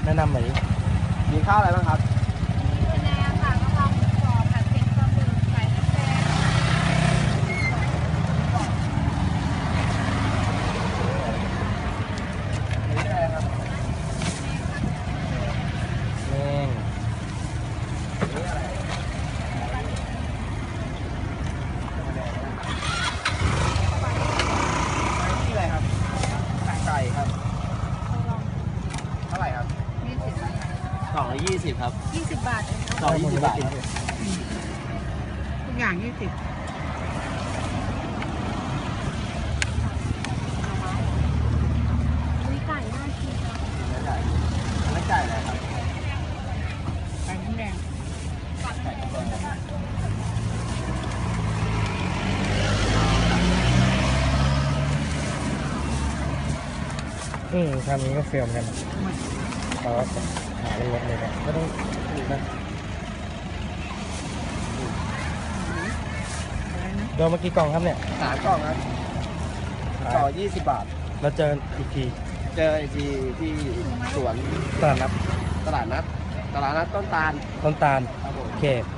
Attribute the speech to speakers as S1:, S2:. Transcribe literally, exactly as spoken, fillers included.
S1: แนะนำหน่อยดิ
S2: มีข้าวอะไรบ้างครับ
S3: คะแนนค่ะกะเพราหมูกรอบผัดเผ็ดปลาหมึกไก่พริกแกง
S2: นี่อะไรครับ
S1: แม่ง
S2: นี่อะไรนี่อะไรครับไก่ครับเท่าไหร่ครับ
S3: ยี่สิบ
S1: กล่องละยี่สิบครับ
S3: ยี่สิบบาทเอง
S1: กล่องยี่สิบบาทครับ
S3: ทุกอย่างยี่สิบมีไก่น่ากินค่ะ
S2: แล้วไก่แล้วไก่อะไรครับ
S3: ไก่น้ำแดง
S2: ไก่แดง
S1: อืมทำนี้ก็เฟี้ยวเหมือนกันเขาหาเป็นรถเลยนะไม่ต้องถูกนะ
S3: อะไรนะ
S1: โดนมากี่กล่องครับเนี่ย
S2: สามกล่องครับต่อยี่สิบบาท
S1: เราเจออีกที
S2: เจออีกทีที่สวน
S1: ตลาดนัด
S2: ตลาดนัดตลาดนัดต้นตาล
S1: ต้นตาล
S2: ครับผม
S1: โอเค